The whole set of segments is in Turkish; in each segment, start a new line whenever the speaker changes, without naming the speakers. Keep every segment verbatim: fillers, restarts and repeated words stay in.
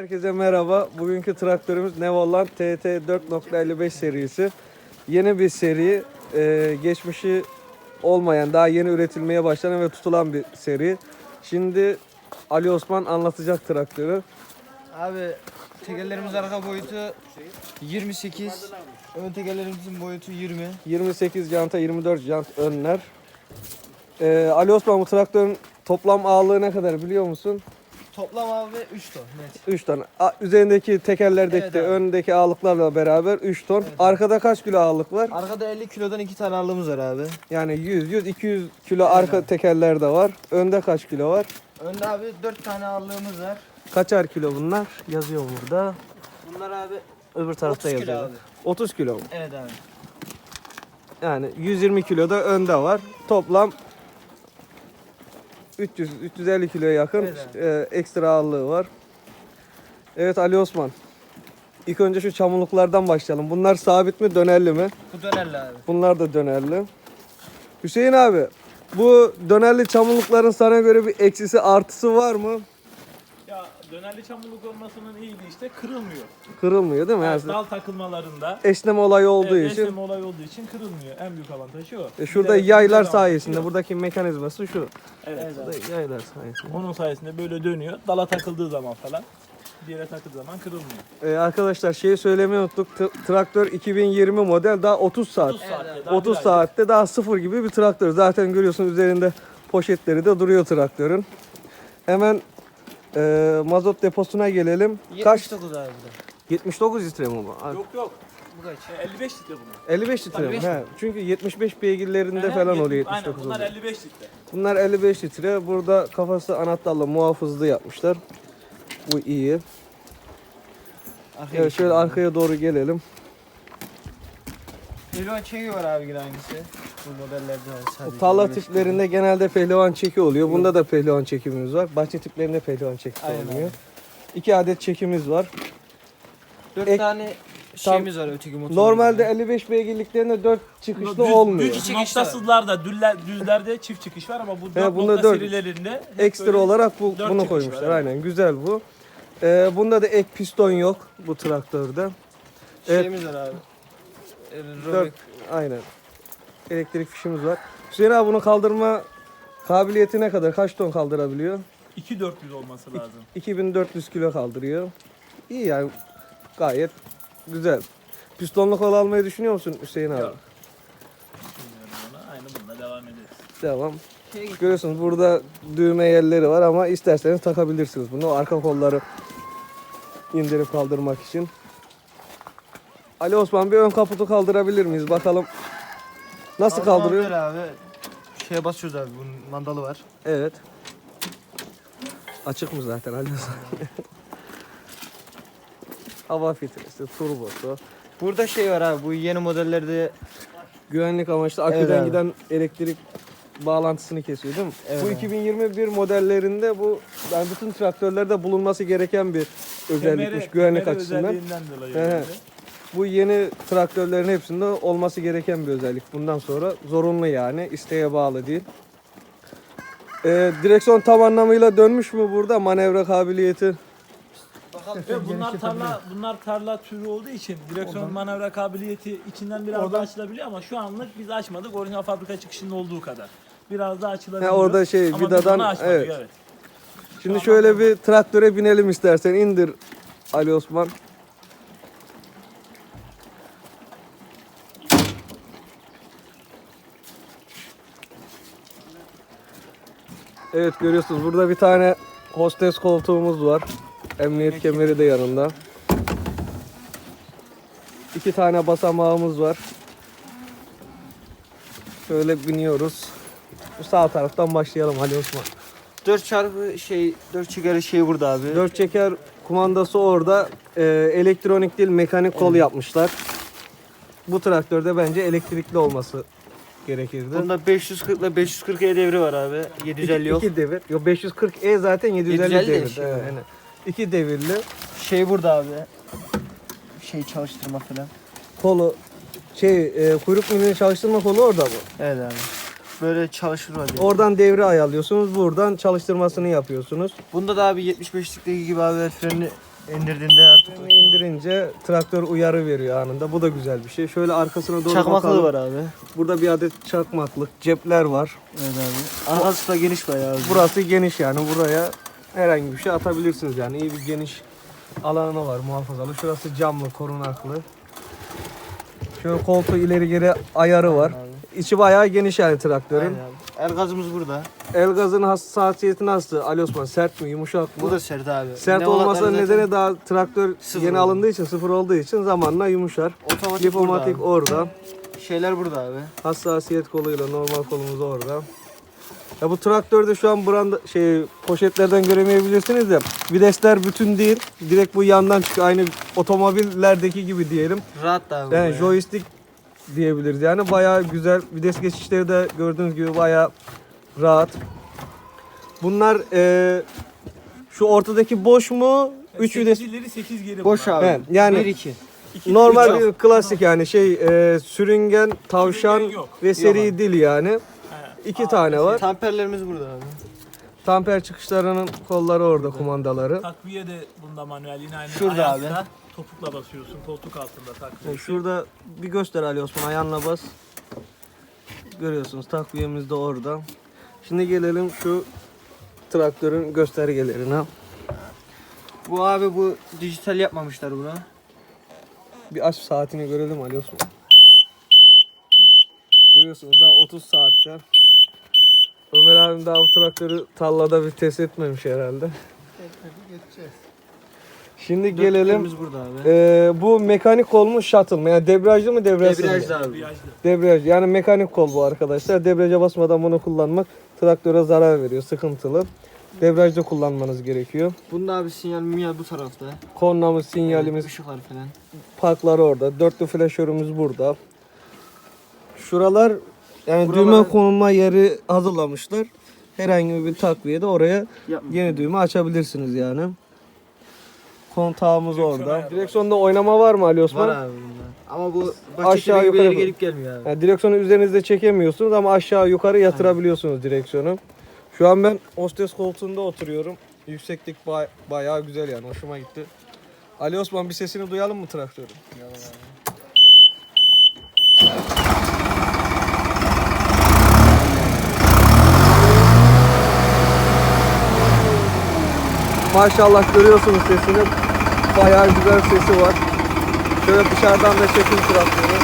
Herkese merhaba. Bugünkü traktörümüz Nevoland T T dört nokta elli beş serisi. Yeni bir seri. Ee, geçmişi olmayan, daha yeni üretilmeye başlanan ve tutulan bir seri. Şimdi Ali Osman anlatacak traktörü.
Abi tekerlerimiz arka boyutu yirmi sekiz, ön tekerlerimizin boyutu yirmi.
yirmi sekiz janta, yirmi dört jant önler. Ee, Ali Osman, bu traktörün toplam ağırlığı ne kadar biliyor musun?
Toplam abi üç ton net.
üç ton. A- Üzerindeki tekerlerdeki
Evet
de
abi.
öndeki ağırlıklarla beraber üç ton.
Evet.
Arkada kaç kilo ağırlık var?
Arkada elli kilodan iki tane ağırlığımız var abi.
Yani yüz, yüz, iki yüz kilo
Evet
arka
abi.
tekerler de var. Önde kaç kilo var?
Önde abi dört tane ağırlığımız var.
Kaçar kilo bunlar? Yazıyor burada.
Bunlar abi
Öbür tarafta
otuz kilo
yazıyor.
abi.
otuz kilo mu?
Evet abi.
Yani yüz yirmi kilo da önde var. Toplam üç yüz üç yüz elli kiloya yakın
Evet abi.
e, ekstra ağırlığı var. Evet Ali Osman. İlk önce şu çamurluklardan başlayalım. Bunlar sabit mi, dönerli mi?
Bu dönerli abi.
Bunlar da dönerli. Hüseyin abi, bu dönerli çamurlukların sana göre bir eksisi artısı var mı?
Ya dönerli çamurluk olmasının iyiliği işte kırılmıyor.
Kırılmıyor değil mi?
Yani
Yani
dal takılmalarında
esneme olayı olduğu
evet,
için.
esneme olayı olduğu için kırılmıyor. En büyük avantajı o.
E şurada
Bir de-
yaylar
bir de
sayesinde,
avantajı
buradaki mekanizması şu.
yok. Evet.
Evet abi.
Burada yaylar sayesinde.
Onun sayesinde böyle dönüyor. Dala takıldığı zaman falan bir yere takıldığı zaman kırılmıyor.
Ee, arkadaşlar şeyi söylemeyi unuttuk. T- traktör iki bin yirmi model, daha otuz saat.
otuz saatte daha
otuz
bir aylık.
saatte daha sıfır gibi bir traktör. Zaten görüyorsun üzerinde poşetleri de duruyor traktörün. Hemen e, mazot deposuna gelelim. Kaç?
yetmiş dokuz abi bu da.
yetmiş dokuz litre mi bu?
Yok yok.
Bu kaç?
E, elli beş litre bunlar.
elli beş litre mi?
elli beş
He. Çünkü yetmiş beş beygirlerinde
Ehe,
falan
yetmiş-
oluyor yetmiş dokuz
Aynen bunlar
oluyor.
elli beş litre.
Bunlar elli beş litre. Burada kafası anahtarla muhafızlı yapmışlar. Bu iyi.
Arkaya
Evet, şöyle
geçelim.
arkaya doğru gelelim.
Pehlivan çeki var abi yine aynısı. Bu modellerde var sadece.
Bu tarla
elli beş
tiplerinde genelde pehlivan çeki oluyor. Bunda da pehlivan çekimimiz var. Bahçe tiplerinde pehlivan çeki
Aynen
olmuyor.
abi.
İki adet çekimiz var.
dört
Ek-
tane şeyimiz var öteki motorumuzda.
Normalde elli beş beygirliklerinde dört çıkışlı
Düz-
olmuyor.
Düz noktasızlarda, düzler, düzlerde çift çıkış var ama bu dört
bunda
nokta
dört.
serilerinde hep
Ekstra
böyle
olarak bu,
dört
bunu
çıkış
koymuşlar.
var, evet.
Aynen, güzel bu. Ee, bunda da ek piston yok bu traktörde. Evet.
Şeyimiz var abi. Ee,
Dört, aynen. Elektrik fişimiz var. Hüseyin abi, bunu kaldırma kabiliyeti ne kadar? Kaç ton kaldırabiliyor?
iki bin dört yüz olması lazım.
iki bin dört yüz kilo kaldırıyor. İyi yani, gayet güzel. Pistonlu kol almayı düşünüyor musun Hüseyin abi?
Yok. Bilmiyorum onu. Aynı bununla devam ederiz.
Devam.
Şey,
Görüyorsunuz burada düğme yerleri var ama isterseniz takabilirsiniz bunu. Arka kolları indirip kaldırmak için. Ali Osman, bir ön kaputu kaldırabilir miyiz? Bakalım nasıl kaldırıyor?
Böyle abi. Şeye basıyoruz abi. Bunun mandalı var.
Evet. Açık mı zaten Ali Osman? Hava filtresi, turbosu.
Burada şey var abi. Bu yeni modellerde
Güvenlik amaçlı aküden
Evet abi.
giden elektrik bağlantısını kesiyor değil mi?
Evet
Bu
abi.
iki bin yirmi bir modellerinde bu, yani bütün traktörlerde bulunması gereken bir özellikmiş
Kemeri-
güvenlik
kemeri
açısından.
özelliğinden dolayı.
He he.
herhalde.
Bu yeni traktörlerin hepsinde olması gereken bir özellik. Bundan sonra zorunlu, yani isteğe bağlı değil. Ee, direksiyon tam anlamıyla dönmüş mü burada, manevra kabiliyeti?
Ve bunlar tarla bunlar tarla türü olduğu için direksiyon manevra kabiliyeti içinden biraz daha açılabiliyor ama şu anlık biz açmadık. Orijinal fabrika çıkışında olduğu kadar. Biraz daha açılabiliyor.
Ha, orada şey,
Ama biz
vidadan-
onu açmadık,
evet.
evet.
Şimdi şöyle bir traktöre binelim istersen, indir Ali Osman. Evet, görüyorsunuz burada bir tane hostes koltuğumuz var. Emniyet kemeri de yanında. İki tane basamağımız var. Şöyle biniyoruz. Bu sağ taraftan başlayalım Ali Osman.
dört çarpı şey dört çekeri şey burada abi.
Dört çeker kumandası orada. Ee, elektronik değil, mekanik kol yapmışlar. Bu traktörde bence elektrikli olması gerekirdi.
Bunda beş yüz kırk ile beş yüz kırk E devri var abi. yedi yüz elli
İki,
yok.
iki devir. Yok, beş yüz kırk E zaten yedi yüz elli
yedi yüz elli
devir.
şey
Evet,
var.
aynen. İki devirli.
Şey burada abi. Şey çalıştırma falan.
Kolu şey e, kuyruk milini çalıştırma kolu orada mı?
Evet abi. Böyle çalışır var.
Oradan devri ayarlıyorsunuz. Buradan çalıştırmasını yapıyorsunuz.
Bunda da abi yetmiş beşlikteki gibi abi el freni İndirdiğinde artık.
Yani indirince traktör uyarı veriyor anında. Bu da güzel bir şey. Şöyle arkasına doğru
Çakmaklığı
bakalım.
var abi.
Burada bir adet çakmaklık, cepler var.
Evet abi. Arkası da geniş bayağı abi.
Burası geniş yani buraya herhangi bir şey atabilirsiniz yani iyi bir geniş alanı var muhafazalı. Şurası camlı, korunaklı. Şöyle koltuğu ileri geri ayarı var. İçi bayağı geniş yani traktörün.
Aynen abi. El gazımız burada.
El gazın hassasiyeti nasıl? Ali Osman sert mi, yumuşak mı?
Bu da sert abi.
Sert
Ne
olmasının
olanları zaten
nedeni daha traktör
sıfır
yeni
oldu.
alındığı için, sıfır olduğu için zamanla yumuşar.
Otomatik
Lipomatik
burada
orada.
abi. Şeyler burada abi.
Hassasiyet koluyla normal kolumuz orada. Ya bu traktörde şu an branda şey poşetlerden göremeyebilirsiniz de videsler bütün değil. Direkt bu yandan çıkıyor. Aynı otomobillerdeki gibi diyelim.
Rahat da abi.
Yani
bu ya.
joystick diyebiliriz. Yani bayağı güzel. Vites geçişleri de gördüğünüz gibi bayağı rahat. Bunlar eee, şu ortadaki boş mu? üç vites.
sekiz ileri sekiz geri.
Boş
bunlar.
abi.
Evet, yani-
bir iki.
İki
Normal
ileri
bir klasik yani şey eee, sürüngen, tavşan
Sürüngen yok.
ve seri
Yok.
dil yani.
Ha.
İki
Aa,
tane var.
Tamperlerimiz burada abi.
Tamper çıkışlarının kolları orada, kumandaları.
Takviye de bunda manuel yine aynı
Şurada
ayakta.
abi.
Topukla basıyorsun. Koltuk altında takviye.
Yani şurada bir göster Ali Osman, ayağınla bas. Görüyorsunuz takviyemiz de orada. Şimdi gelelim şu traktörün göstergelerine.
Bu abi bu dijital yapmamışlar bunu.
Bir aç saatini görelim Ali Osman. Görüyorsunuz daha otuz saatte. Ömer abim daha bu traktörü tallada bir test etmemiş herhalde. Şimdi gelelim.
Dörtlüklerimiz burada abi.
Ee, bu mekanik kol mu, shuttle mı? Yani debriyajlı mı, debriyajsız mı?
Debriyajlı abi.
Debriyajlı.
Debriyaj yani mekanik kol bu arkadaşlar. Debriyaja basmadan bunu kullanmak traktöre zarar veriyor, sıkıntılı. Debriyajda kullanmanız gerekiyor.
Bunda abi sinyal minyal bu tarafta.
Kornamız, sinyalimiz,
Işıklar falan.
parklar orada. Dörtlü flaşörümüz burada. Şuralar yani
Buralara-
düğme konulma yeri hazırlamışlar. Herhangi bir takviyede oraya
Yapma.
yeni düğme açabilirsiniz yani. Kontağımız orada.
ayarı var.
Direksiyonda oynama var mı Ali Osman?
Var abi bunda. Ama bu
Aşağı
aşağı
yukarı
yukarı
bak.
gelip gelmiyor abi.
Yani direksiyonu üzerinizde çekemiyorsunuz ama aşağı yukarı yatırabiliyorsunuz direksiyonu. Şu an ben hostes koltuğunda oturuyorum. Yükseklik ba- bayağı güzel yani, hoşuma gitti. Ali Osman bir sesini duyalım mı traktörün? Maşallah görüyorsunuz sesini. Bayağı güzel sesi var. Şöyle dışarıdan da çekim traktörü.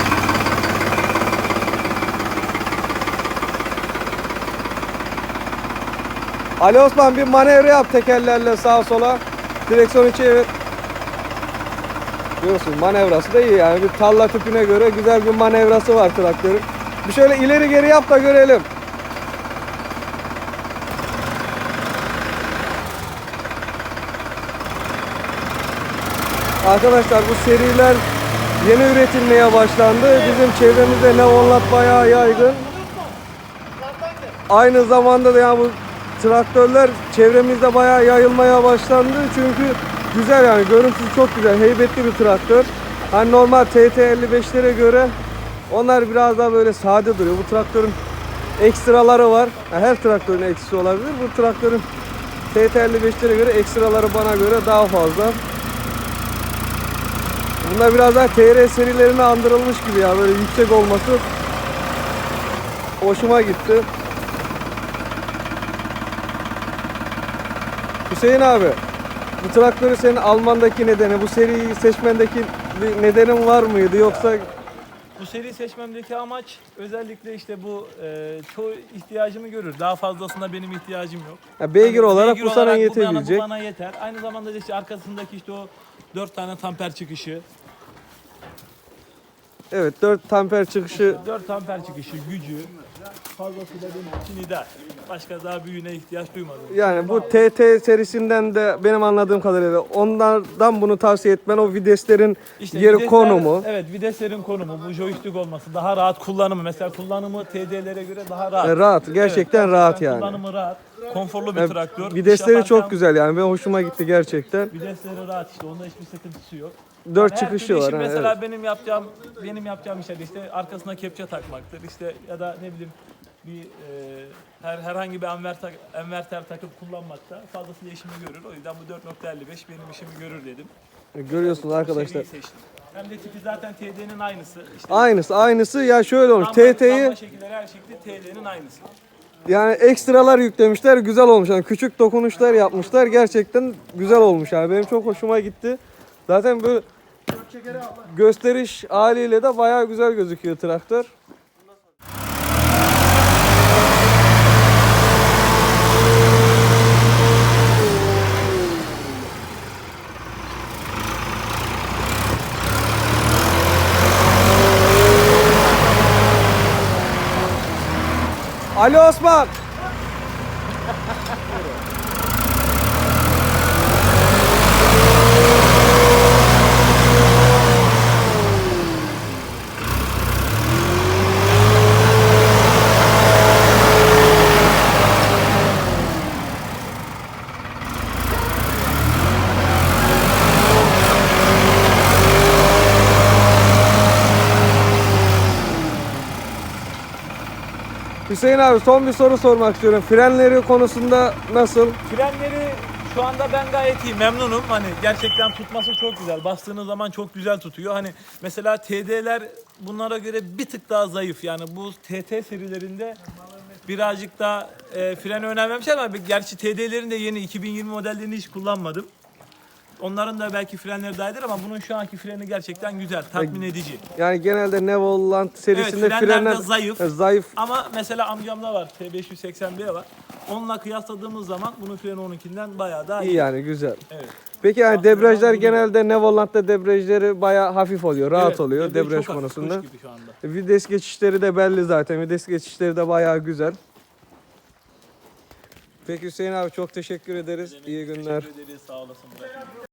Ali Osman bir manevra yap tekerlerle sağa sola. Direksiyonu çevir. Görüyorsun manevrası da iyi yani. Bir talla tipine göre güzel bir manevrası var traktörün. Bir şöyle ileri geri yap da görelim. Arkadaşlar bu seriler yeni üretilmeye başlandı. Bizim çevremizde Neonlat bayağı yaygın. Aynı zamanda da yani bu traktörler çevremizde bayağı yayılmaya başlandı. Çünkü güzel yani, görüntüsü çok güzel, heybetli bir traktör. Hani normal T T elli beşlere göre onlar biraz daha böyle sade duruyor. Bu traktörün ekstraları var. Yani her traktörün eksisi olabilir. Bu traktörün T T elli beşlere göre ekstraları bana göre daha fazla. Bunlar biraz daha T R serilerine andırılmış gibi ya, böyle yüksek olması hoşuma gitti. Hüseyin abi, bu traktörü senin almandaki nedeni, bu seriyi seçmendeki bir nedenin var mıydı yoksa?
Bu seri seçmemdeki amaç özellikle işte bu e, çoğu ihtiyacımı görür. Daha fazlasına benim ihtiyacım yok.
Ya beygir
Hani
olarak
beygir
bu sana
olarak
yetebilecek.
Bu bana, bu bana yeter. Aynı zamanda da işte arkasındaki işte o dört tane tamper çıkışı,
Evet, dört amper çıkışı.
dört amper çıkışı gücü fazlası da benim için ideal. Başka daha büyüğüne ihtiyaç duymadım.
Yani bu T T serisinden de benim anladığım kadarıyla onlardan bunu tavsiye etmen, o viteslerin
İşte
yeri,
vitesler-
konumu.
Evet, viteslerin konumu, bu joystick olması, daha rahat kullanımı. Mesela kullanımı T D'lere göre daha rahat.
E, rahat, gerçekten
Evet,
rahat yani.
Kullanımı rahat, konforlu bir
E,
traktör. İş
Vitesleri
yaparken
çok güzel yani, benim hoşuma gitti gerçekten.
Vitesleri rahat işte, onda hiçbir sıkıntısı yok.
Dört
Her
çıkışı
türlü
var.
işi
ha,
mesela
evet.
benim yapacağım benim yapacağım işler işte arkasına kepçe takmaktır işte ya da ne bileyim bir e, her herhangi bir enverter, enverter takıp kullanmakta fazlasıyla işimi görür. O yüzden bu dört nokta elli beş benim işimi görür dedim.
Görüyorsunuz
Bu
arkadaşlar.
seriyi seçtim. Hem de tipi zaten T D'nin aynısı. İşte
Aynısı aynısı ya şöyle olmuş.
lamba-
T T'yi
lamba şekilleri her şekilde T D'nin aynısı.
yani ekstralar yüklemişler, güzel olmuş. Yani küçük dokunuşlar yapmışlar. Gerçekten güzel olmuş yani. Benim çok hoşuma gitti. Zaten böyle gösteriş haliyle de bayağı güzel gözüküyor traktör. Ali Osman. Hüseyin abi son bir soru sormak istiyorum. Frenleri konusunda nasıl?
Frenleri şu anda ben gayet iyi, memnunum. Hani gerçekten tutması çok güzel. Bastığınız zaman çok güzel tutuyor. Hani mesela T D'ler bunlara göre bir tık daha zayıf. Yani bu T T serilerinde birazcık daha e, frene önem vermişler ama gerçi T D'lerin de yeni iki bin yirmi modellerini hiç kullanmadım. Onların da belki frenleri dahidir ama bunun şu anki freni gerçekten güzel, tatmin edici.
Yani genelde Nevoland serisinde
Evet, frenler de
frenler
zayıf.
e, zayıf.
Ama mesela amcamda var, T beş yüz seksen B var. Onunla kıyasladığımız zaman bunun freni onunkinden bayağı daha iyi.
İyi yani güzel.
Evet.
Peki yani
Baktığınız
debriyajlar
zaman bunu-
genelde Nevoland'da debriyajları bayağı hafif oluyor, rahat
Evet,
oluyor
debriyaj
debriyaj
çok hafif,
konusunda.
kuş gibi şu anda.
Vites geçişleri de belli zaten. Vites geçişleri de bayağı güzel. Peki Hüseyin abi çok teşekkür ederiz. İyi günler.
Teşekkür ederiz, sağ olasın.